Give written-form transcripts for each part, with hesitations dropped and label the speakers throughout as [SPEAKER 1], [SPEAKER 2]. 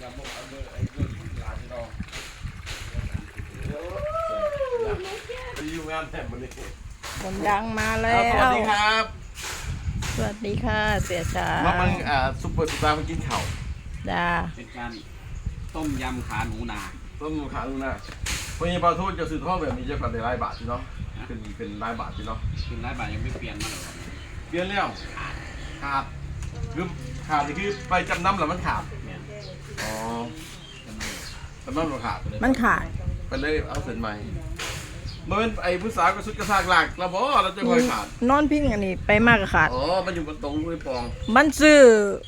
[SPEAKER 1] คนดังมาแล้ว
[SPEAKER 2] สวัสดีครับ
[SPEAKER 1] สวัสดีค่ะเสียชา
[SPEAKER 2] มันซุปเปอร์สตาร์มากินข้าว
[SPEAKER 1] จ้า
[SPEAKER 3] เป็นการต้มยำขาหนูนา
[SPEAKER 2] ต้มขาลูกนะวันนี้ปลาทูจะซื้อทอดแบบนี้จะกันในรายบาทใช่เนาะเป็นรายบาทใช่เนาะ
[SPEAKER 3] เป็นร้ายบาทยังไม่เปลี่ยนมาเลย
[SPEAKER 2] เปลี่ยนแล้วขาดคือขาดนี่คือไปจำนำแล้วมันขาดอ๋อจำนำแล้วขาด
[SPEAKER 1] มันขาด
[SPEAKER 2] ไปเลยเอาเสร็จใหม่เมื่อเป็นไอ้ผู้สาวก็สุดกระซากหลักเราบอกเราจะคอยขาด
[SPEAKER 1] นอนพิงอันนี้ไปมากกับขาด
[SPEAKER 2] อ๋อมันอยู่บนตรงมือปอง
[SPEAKER 1] มันซื้อ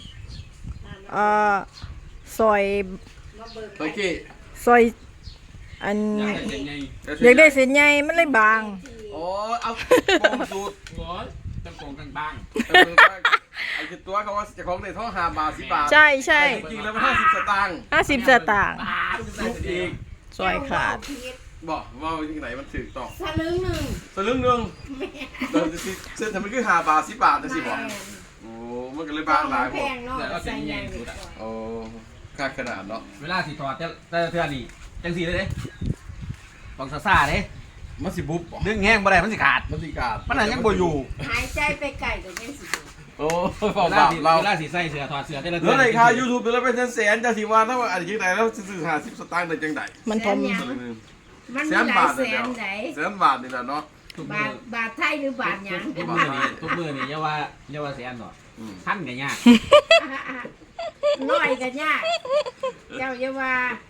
[SPEAKER 1] ซอย
[SPEAKER 2] ตะกี้
[SPEAKER 1] ซอยอัน
[SPEAKER 3] อยากได้เส้นใหญ่
[SPEAKER 1] อยากได้เส้นใหญ่มันเลยบาง
[SPEAKER 2] อ๋อเอาปองสูตร
[SPEAKER 3] โอ้ยต้องโกงกันบ้าง
[SPEAKER 2] ไอ้ตัวเขาว่าจะของในท่อ5 บาท10 บาท
[SPEAKER 1] ใช่ใช่
[SPEAKER 2] จริงๆแล้วมัน50 สตางค์
[SPEAKER 1] 50 สตางค์
[SPEAKER 2] ลูกอีก
[SPEAKER 1] ซอยขาด
[SPEAKER 2] บอกว่าที่ไหนมันถือต่อ
[SPEAKER 4] สลึงหนึ่ง
[SPEAKER 2] สลึงหนึงเดินสิเส้นทำไมคือ5 บาท10 บาทนะสิบอกโอ้มันก็เลยบางหลาย
[SPEAKER 4] แพ
[SPEAKER 2] บ่
[SPEAKER 4] งเนาะ
[SPEAKER 3] แต่ก็
[SPEAKER 4] ใส่
[SPEAKER 3] เส้นใหญ่
[SPEAKER 4] ยาง
[SPEAKER 3] สุดอ่ะ
[SPEAKER 2] โอ้ค่าขนาดเนาะ
[SPEAKER 3] เวลาสิถอดแต่เทื่อนี่จังสีเลยเด้ต้องซ่าๆเด้
[SPEAKER 2] มันสิบุบบ่
[SPEAKER 3] ดึงแห้งบ่ได้มันสิขาด
[SPEAKER 2] มันสิขาด
[SPEAKER 3] มันนั่นยังบ่อยู่
[SPEAKER 4] หายใจไปไก่กับยังสิ
[SPEAKER 2] โอ้ฟอ
[SPEAKER 3] เว
[SPEAKER 2] บา
[SPEAKER 3] ลา
[SPEAKER 2] ป
[SPEAKER 3] สิ
[SPEAKER 2] เรา
[SPEAKER 3] เวลาสิใส่เสื้อถอดเสื้อแต่ละ
[SPEAKER 2] เหลือในค่า YouTube ตัวละเป็นแสนๆจะสิว่าถ้าว่าอันจังไดแล้วซื้อ50 สตางค์ได้จังได
[SPEAKER 1] มันทม
[SPEAKER 2] สลึงหนึง
[SPEAKER 4] มัน
[SPEAKER 2] แส
[SPEAKER 4] มี
[SPEAKER 2] น
[SPEAKER 4] หลา
[SPEAKER 2] บาย ท
[SPEAKER 4] แส
[SPEAKER 2] เดีย
[SPEAKER 4] น
[SPEAKER 2] ว
[SPEAKER 4] ไหน
[SPEAKER 2] แสนบาทนี่แหละเนาะ
[SPEAKER 3] ทุก
[SPEAKER 4] บา
[SPEAKER 3] มื
[SPEAKER 4] ท
[SPEAKER 3] อบ
[SPEAKER 4] าทไทยหรือบาทหยัง
[SPEAKER 3] ทุกมือนี่ทุกมือนี่อย่าว่าแสนหรอก
[SPEAKER 2] อืม
[SPEAKER 3] พันก็ยาก
[SPEAKER 4] น้อยกันยากเจ้าอย่าว่า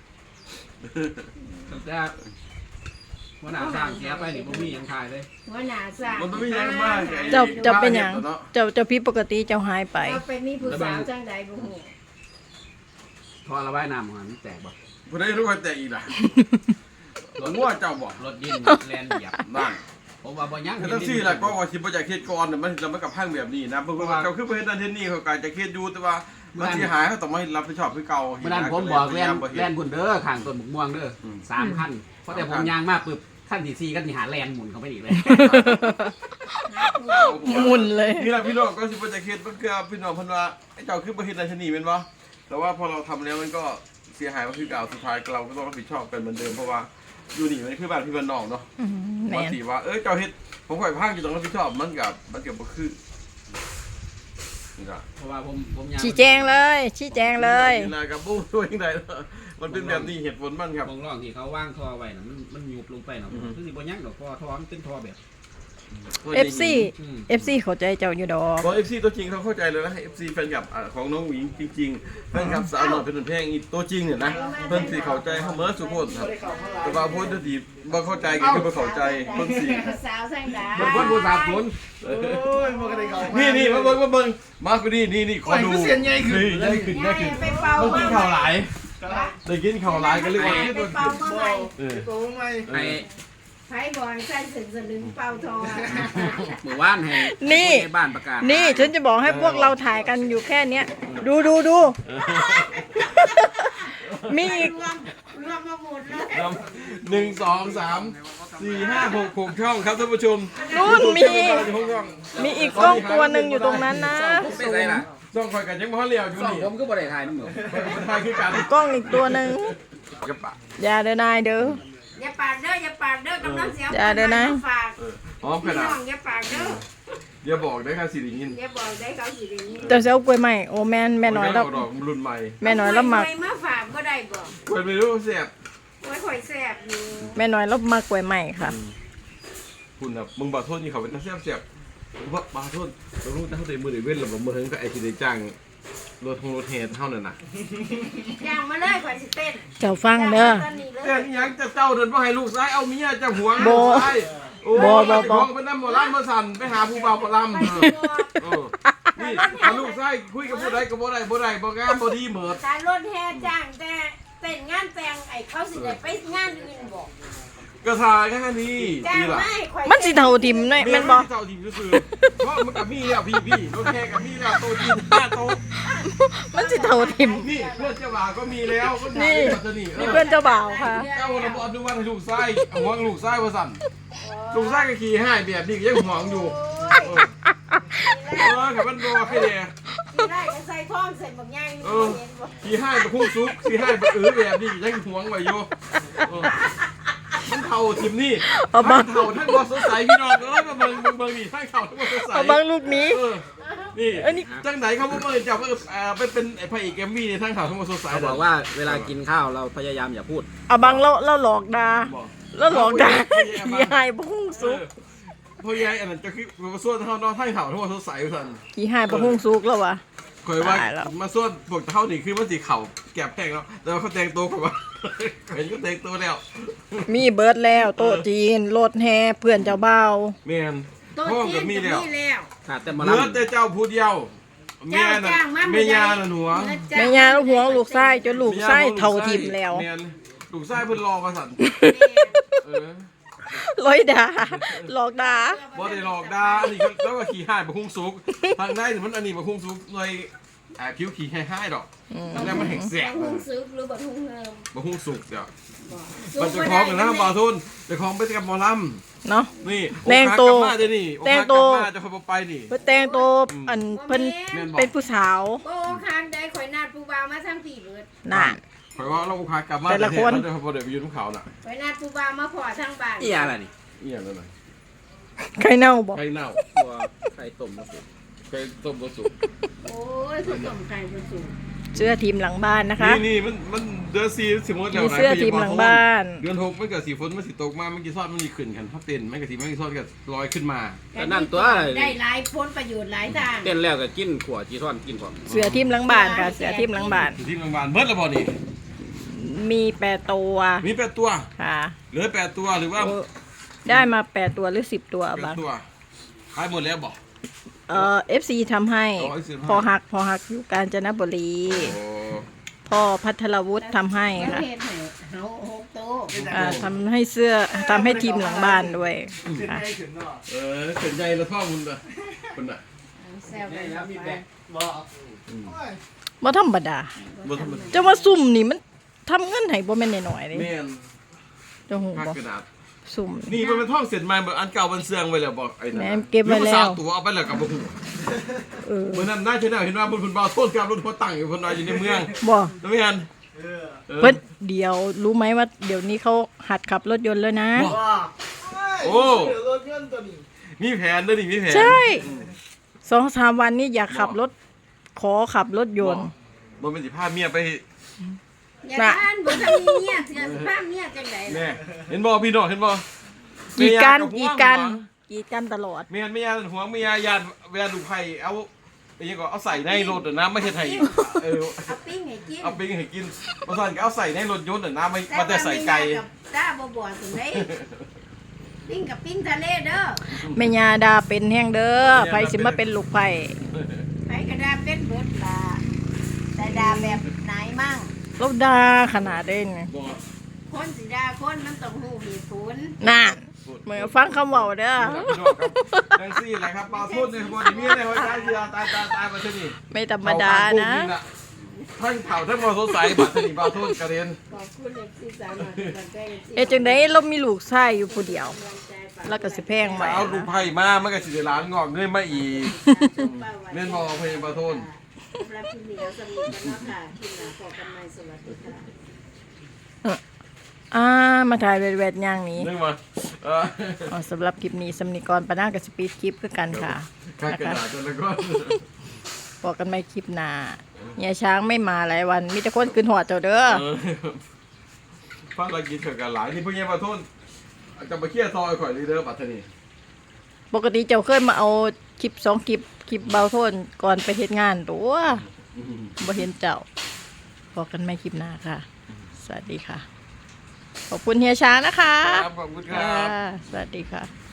[SPEAKER 3] แต่ว่าหน้าสร้างเสียไปนี่บ่มีหยังขายเลย
[SPEAKER 4] หัวหน้าสร้าง
[SPEAKER 2] มันต้องมีอย่างมากไง
[SPEAKER 1] เจ้าเป็นหยังเจ้าผิดปกติเจ้าหายไป
[SPEAKER 4] เราไปมีผู้สาวจังใดบ่ฮู้
[SPEAKER 3] พอระบายน้ำมันแตกบ่
[SPEAKER 2] บ่ได้รู้ว่าแต่อีกล่ะงัวเจ้าบอก
[SPEAKER 3] รถดินแลนเหยียบ
[SPEAKER 2] นั่น
[SPEAKER 3] ผมว่าบ่ยัง
[SPEAKER 2] ถ้าทั้งสี่ล่ะก็ว่าสิบ่อยากเฮ็ดก่อนน่ะมันเราไม่กับพังแบบนี้นะเพราะว่าเขาคือบ่เฮ็ดนั่นเฮ็ดนี่เขาก็จะเฮ็ดอยู่แต่ว่ามันสิหายเขาต้องมารับผิดชอบคือเก่า
[SPEAKER 3] เมื่อนั้นผมบอกแลนพุ่นเด้อข้างต้นบุกม่วงเด้อ3คันเพราะแต่ผมยางมาปึ๊บขั้นที่4ก็สิหาแลนหมุนเข้าไปอีกเลย
[SPEAKER 1] หมุนเลย
[SPEAKER 2] นี่ล่ะพี่น้องก็สิบ่อยากเฮ็ดมันคือพี่น้องเพิ่นว่าไอ้เจ้าคือบ่เฮ็ดนั่นเฮ็ดนี่แม่นบ่แต่ว่าพอเราทำแล้วมันก็เสียหายมันคือเก่าสุดท้ายเราก็ต้องรับผิดชอบกันเหมือนเดิมเพราะว่าอยู่นี่มันคือบ้านพี่บ้านน้องเนาะ
[SPEAKER 1] แม
[SPEAKER 2] บาง
[SPEAKER 1] น
[SPEAKER 2] ทีว่าเจ้าเฮ็ดผมข่อยพังอยู่ตรงรับผิดชอบมันกับบ่คือนี่ล่ะ
[SPEAKER 3] เพราะว่าผมยาง
[SPEAKER 1] ชี้แจงเลยชี้แจงเลย
[SPEAKER 2] นี่ล่ะกับบู้ด้วยจังได๋มันเป็นแบบนี้เหตุผลมันครับ
[SPEAKER 3] บางร่องที่เขาว่างท่อไว้น่ะมันยุบลงไปเนาะคือสิบ่ยังดอกท่อมันเป็นท่อแบบ
[SPEAKER 1] FC FC เข้าใจเจ้าอยู่ดอก
[SPEAKER 2] บอก FC ตัวจริงเขาเข้าใจเลยนะ FC แฟนคลับของน้องหญิงจริงๆแฟนคลับสาวหน่อยเป็นแพงอีตัวจริงเนี่ยนะเพิ่นสิเข้าใจเฮาเมื่อสุโขทัยครับแต่ว่าพูดที่บ่เข้าใจก็คือบ่เข้าใจเพิ่นสิ
[SPEAKER 4] ผู้สาวจังใด
[SPEAKER 3] มันคนผู้สาบสน
[SPEAKER 2] นี่มาเบิ่งมาคือนี่ขอดูนี่ใหญ่ขึ้น
[SPEAKER 4] ย่าไปเป่า
[SPEAKER 2] ต้องกินข้าวหลายได้กินข้าวหลายก็เลยว่า
[SPEAKER 4] ไปเป่าเมื่อไหร่
[SPEAKER 3] ให้
[SPEAKER 4] ไผบ่อยใส่สึงสลึงเป่าทอง
[SPEAKER 3] หมู่บ้านให้ในบ้านประกาศ
[SPEAKER 1] นี่ฉันจะบอกให้พวกเราถ่ายกันอยู่แค่เนี้ยดูมีอีก
[SPEAKER 4] รวมมาหมดเลย
[SPEAKER 2] 1 2 3 4 5 6 6 ช่องครับท่านผู้ชม
[SPEAKER 1] นู่นมีอีกกล้องตัวหนึ่งอยู่ตรงนั้นนะ
[SPEAKER 3] ไม่ใช่ล่ะ
[SPEAKER 2] ช่องคอยกันยังบ่เลี้ยวอยู่
[SPEAKER 3] สอง
[SPEAKER 2] นี่
[SPEAKER 3] ผมก็บ่ได้ถ่ายน้ำหนู
[SPEAKER 2] มันทายคือกัน
[SPEAKER 1] กล้องอีกตัวหนึ่ง
[SPEAKER 2] กระปะ
[SPEAKER 1] อย่าเดินนายเด้อ
[SPEAKER 4] อย่าปากเด้ออย่าปากเด้อกำลังเสีย
[SPEAKER 1] อย่าเด้อนะ
[SPEAKER 4] ฝาก
[SPEAKER 2] หอมข
[SPEAKER 4] พี่
[SPEAKER 2] นา
[SPEAKER 4] น้
[SPEAKER 2] ด
[SPEAKER 4] องอย่าปากเด้อ
[SPEAKER 2] อย่าบอกได้ค่ะสิริยิน
[SPEAKER 4] อย่าบอกได้เขาสิได้ยิน
[SPEAKER 1] แต่เซลกล้วยใหม่โอ้แม่น้อยแล้ว
[SPEAKER 2] ดอกรุ่นใหม่
[SPEAKER 1] แม่น้อยแล้วมัก
[SPEAKER 4] ไมาฝากก็ได้บ่
[SPEAKER 2] เปิดไม่รู้เสียบ
[SPEAKER 4] ไว้ข่อยแซ่บอยู่
[SPEAKER 1] แม่น้อยแล้วมักกล้วยใหม่ค่ะ
[SPEAKER 2] คุณน่ะมึงบาโทษนี่เขาเป็นนักเสียบว่าบาโทษเรารู้แต่เขาเตะมือเดือดเว้นหรือบ่มือถึงก็ไอ้ที่ได้จ้างรถเฮดเท่านั้นน่ะ
[SPEAKER 4] ย่างมาเลยข่อยสิเต้น
[SPEAKER 1] เจ้าฟังเด้อ
[SPEAKER 4] ตอนนี้เลย
[SPEAKER 2] แต่ยังจะเจ้าเดินว่าให้ลูกซ้ายเอาเมียจะหวง
[SPEAKER 1] บ่
[SPEAKER 2] ลูกซ้ายโอ้
[SPEAKER 1] บ่
[SPEAKER 2] เป็นน้ำหมอลำมาสั่นไปหาผู้บ่าวหมอลำ
[SPEAKER 4] ไป
[SPEAKER 2] เอ
[SPEAKER 4] สิ
[SPEAKER 2] อ
[SPEAKER 4] บ่
[SPEAKER 2] เออนี่ถ้าลูกซ้ายคุยกับผู้ใดก็บ่ได้บ่งามบ่ดีเหมิด
[SPEAKER 4] การรถแห่จ้างแต่เต้นงานแต่งไอ้เขาสิได้ไปงานอื่นบ่
[SPEAKER 2] ก็ทายแค่นี้
[SPEAKER 4] จ้าง
[SPEAKER 2] ดีล่ะ
[SPEAKER 4] ไม่ข่อย
[SPEAKER 1] มันสิเท่าทิมหน่อยแม่นบ่
[SPEAKER 2] เจ้าทีมก็คือเพราะมันกับมีแล้วพี่รถแข่กับมีแล้วโตจีน5 โต
[SPEAKER 1] มันสิเท่าทิม
[SPEAKER 2] นี่เพื่อนเจ้าบ่าวก็มีแล้วก็
[SPEAKER 1] นี่
[SPEAKER 2] ปัตตานี
[SPEAKER 1] นี่เพื่อนเจ้าบ่าวค่ะ
[SPEAKER 2] เจ้าระบอกดูว่าให้ลูกไส้ห่วงลูกไส้ว่าสั่นลูกไส้ก็ขี่ให้แบบนี้ก็ยังห่วงอยู่
[SPEAKER 4] โอ้ย
[SPEAKER 2] ขับมันรอแค่เดีย
[SPEAKER 4] กได้ก็ใส่ท่องใส่บักย่าง
[SPEAKER 2] ขี่ให้ไปพุ่งซุกขี่ให้ไปแบบนี้ยังหวงไว้โยทั้งเท่าทีมนี่ทั้งเท่าทั้งบอลสดใสพี่น้องมาเบิ่งนี่ทั้งเท่าทั้งบอลสดใส
[SPEAKER 1] เอาบางลูกนี้
[SPEAKER 2] นี่จังไหนเขาบอกว่าจับไปเป็นไอ้พระเอกเอมมี่ในทั้งเท่าทั้งบอลสดใส
[SPEAKER 3] เขาบอกว่าเวลากินข้าวเราพยายามอย่าพูด
[SPEAKER 1] เอาบางเราหลอกดาแล้วหลอกดาขี้หายบ่ฮุ่งสุก
[SPEAKER 2] พอยายอันนั้นจะคือมาส่วนเท่านอนทั้งเท่าทั้งบอลสดใสสั่น
[SPEAKER 1] ขี้หายบ่ฮุ่งสุกแล้ววะ
[SPEAKER 2] เคยว่ามาส่วนพวกเท่านี่คือมันสีเข่าแก็บแพงแล้วแต่ว่าเขาแต่งตัวกับว่าเห็นก็แต่งตัวแล้ว
[SPEAKER 1] มีเบิร์ดแล้วโต๊ะจีนรถแห่เพื่อนเจ้าบ่าว
[SPEAKER 2] แม่นห้องกับมีแล้ว
[SPEAKER 3] ขาดแต่มา
[SPEAKER 2] เหลือ
[SPEAKER 3] ลำ
[SPEAKER 2] แต่เจ้าผู้เดียวเมียน่ะเมียาน่ะหนัว
[SPEAKER 1] แม่ยาลูกหัวลูกไส้จนลูกไส้เท่าทิมแล้ว
[SPEAKER 2] เมียลูกไส้เพิ่นรอมาสั่นเออ
[SPEAKER 1] ลอยดาหลอกดา
[SPEAKER 2] บ่ได้หลอกด่าอันนี้แล้วก็ขี่ห้ายบ่คุ้งสุกทางได้มันอันนี้บ่คุ้งสุกเลยคิ้วขี่ห้ายดอกแล้วมันแหกแสบ
[SPEAKER 4] ทุ่งซึกหรือบ่ทุ่งเฮิม
[SPEAKER 2] บ่คุ้งสุกเดี๋ยวมันจะคล้องกันนะบ่าวทุนจะคล้องไปกับหมอลำ
[SPEAKER 1] เนาะ
[SPEAKER 2] นี่
[SPEAKER 1] แตงโต
[SPEAKER 2] มาเด้นี่
[SPEAKER 1] แตงโต
[SPEAKER 2] จะค่อยไปนี่
[SPEAKER 1] เพิ่นแต่งตัวอันเพิ่นเป็นผู้สาว
[SPEAKER 4] โอ้คางได้ข่อยนัดผู้บ่าวมาทั้งปีเบิด
[SPEAKER 1] น่ะ
[SPEAKER 2] ข่อยว่าเราพากลับมา
[SPEAKER 1] แต่ละคน
[SPEAKER 2] เดี๋ยวบ่ได้ไปอยู่ทุ่งเขาน่ะ
[SPEAKER 4] ข่อยนัดผู้บ่าวมาพอทั้งบ้าน
[SPEAKER 3] อีอะไรนี่
[SPEAKER 2] อีหยังนั่นน่ะ
[SPEAKER 1] ใครเน่าบ่
[SPEAKER 2] ไข่เน่า
[SPEAKER 3] ตัวไข่ต้มนะผม
[SPEAKER 2] ไข่ต้มบ่สุก
[SPEAKER 4] โอ้ยคือต้มไก่บ่สุก
[SPEAKER 1] เสื้อทีมหลังบ้านนะคะ
[SPEAKER 2] นี่มันเดือน4สิหมดแล้ว
[SPEAKER 1] มี
[SPEAKER 2] นะ
[SPEAKER 1] เสื้อทีมหลังบ้าน
[SPEAKER 2] เดือน6มันก็สิฝนมันสิตกมามันสิซอดมันสิขึ้นกันถ้าเต้นมันก็สิมันสิซอดก็ลอยขึ้นมา
[SPEAKER 3] แต่นั่นตัว
[SPEAKER 4] ได้หลายผลประโยชน์หลายทาง
[SPEAKER 3] เต้นแล้วก็กินขวดจีซ่อนกินพร้อม
[SPEAKER 1] เสื้อทีมหลังบ้านค่ะเสื้อทีมหลังบ้าน
[SPEAKER 2] ที่โรงพยาบาลเบิดแล้วบ่นี่
[SPEAKER 1] มี8ตัว
[SPEAKER 2] มี8ตัว
[SPEAKER 1] ค่ะ
[SPEAKER 2] เหลือ8ตัวหรือว่า
[SPEAKER 1] ได้มา8ตัวหรือ10ตัวบาง
[SPEAKER 2] 8ตัวขายหมดแล้วบ่
[SPEAKER 1] FC ทำให้
[SPEAKER 2] อ๋อ FC ทำให้
[SPEAKER 1] พอหักอยู่กาญจนบุรี
[SPEAKER 2] โอ้
[SPEAKER 1] พ่อพัทรวุฒิทำให้
[SPEAKER 4] ประ
[SPEAKER 1] ค่ะ
[SPEAKER 4] เภทไหนเฮา6โต
[SPEAKER 1] ทำให้เสื้อทำให้ทีมหลังบ้านด้วยค่ะ
[SPEAKER 2] เข็นใหญ่แล้วพ่อคุณน่ะคุณน่ะ
[SPEAKER 4] แซวกันแล้วมีแบก
[SPEAKER 1] บ่ธรรมดา
[SPEAKER 2] บ่ธรรมดา
[SPEAKER 1] จะว่าซุ่มนี่มันทำเงินให้บ่แม่นน้อยๆเด้
[SPEAKER 2] แม่น
[SPEAKER 1] เจะหู
[SPEAKER 2] พัก
[SPEAKER 1] บ่
[SPEAKER 2] กระดาษ
[SPEAKER 1] ซุ่ม
[SPEAKER 2] นี่มันเป็นท่องเสร็จใหม่แบบอันเก่ามันเสื่องไว้แล้วบอกไอ้นั่น
[SPEAKER 1] แม่เก็บไว้แล้ว
[SPEAKER 2] หรือว่าสาวตัวเอาไปแล้วกับบ่ฮู้
[SPEAKER 1] เออ
[SPEAKER 2] เมื่อนั้นน่าจะได้เห็นว่าบนเพิ่นบ่าวโทษกับรถหัวตั้งอยู่เพิ่นว่าอยู่ในเมือง
[SPEAKER 1] บ่
[SPEAKER 2] แล้วแม่น
[SPEAKER 1] เพิ่นเดี๋ยวรู้ไหมว่าเดี๋ยวนี้เขาหัดขับรถยนต์แล้วนะ
[SPEAKER 2] โอ้มีแผนด้วยนี่มีแผน
[SPEAKER 1] ใช่2-3 วันนี้อยากขับรถขอขับรถยนต์
[SPEAKER 2] บ่เป็นสิพาเมียไป
[SPEAKER 4] อย่าท่านบ่ทันมีเมียเสือสิพาเมียจังได๋
[SPEAKER 2] แม่เห็นบ่พี่น้องเห็นบ่
[SPEAKER 1] กีดกัน
[SPEAKER 2] แม่
[SPEAKER 1] กี
[SPEAKER 2] ยา
[SPEAKER 1] ดกัน
[SPEAKER 2] ห่วง
[SPEAKER 1] กีดกันตลอด
[SPEAKER 2] แม่นไม่ยาห่วงไม่ยาญาติเวลาลูกไผเอาไอ้ยังก็เอาใส่ในรถน่ะนะไม่ใช่ไทยเออ
[SPEAKER 4] เอาปิ้งให้กิน
[SPEAKER 2] เอาไปให้กินบ่ซั่นก็เอาใส่ในรถยนต์น่ะนะไม่มาแต่ใส่ไก่
[SPEAKER 4] ตาบ่บ่ถึงได้ปิ้งกับปิ้งทะเลเด้อ
[SPEAKER 1] แม่ยาดาเป็นแห้งเด้อไผสิมาเป็นลูกไผ
[SPEAKER 4] ไปกระดาเป็นเบิดล่ะแต่ดาแบบไหนมั่ง
[SPEAKER 1] เราดาขนาดเด้ง
[SPEAKER 2] บ่
[SPEAKER 4] คนสิดาคนมันต้องฮู้เหตุผล
[SPEAKER 1] น่ะเหมือนฟังคำเว้าเด้อ
[SPEAKER 2] พี่น้องครับจังซี่แหละครับปลาทุ่นในบ่ได้มีในหัวใจสิตายมาซะนี่
[SPEAKER 1] ไม่ธรรมดานะ
[SPEAKER 2] ทั้งเผาทั้งบ่สดใสบัดนี้ปลาทุ่นกระเด็น
[SPEAKER 4] ขอบคุณเอฟซีสาวหน่อยกันใกล้
[SPEAKER 1] เอ๊ะจังได๋เรามีลูกชายอยู่ผู้เดียว แล้วก็สิแพงไว้
[SPEAKER 2] เอาลูกไผ่มามันก็สิได้ล้านงอกเงินมาอีก
[SPEAKER 4] เล่
[SPEAKER 2] เล่
[SPEAKER 4] น
[SPEAKER 2] น
[SPEAKER 4] บ
[SPEAKER 2] บ่
[SPEAKER 4] อล
[SPEAKER 2] เพลงปลาทุ่น
[SPEAKER 4] รับที่เหนียวสมีกันเนาะค่ะที่หนาขอกันใหม่สวัสดีค่ะ
[SPEAKER 1] มาถ่ายแวดๆอย่างนี้
[SPEAKER 2] นึกมา
[SPEAKER 1] สำหรับคลิปนี้สำนิกรปะนากับสปีดคลิปคือกันค่ะ
[SPEAKER 2] ข้างกระดาษจนแล้วก็
[SPEAKER 1] บอกกันไม่คลิปหน้าเฮียช้างไม่มาหลายวัน มีแต่คนขึ้นหอดเจ้าเด้อ
[SPEAKER 2] ฟังเรากินเถื่อนกันหลายนี่เพิ่งยังปลาทุ่นจะมาเคลียร์ซอยข่อยลีเดอร์ปัตตานี
[SPEAKER 1] ปกติเจ้าเคยมาเอาคลิป2คลิปเบาโทนก่อนไปเฮ็ดงานตัวบ่เห็นเจ้าบอกกันไม่คลิปหน้าค่ะ สวัสดีค่ะ ขอบคุณเฮียช้างนะคะ
[SPEAKER 2] ครับขอบคุณครับ
[SPEAKER 1] สวัสดีค่ะ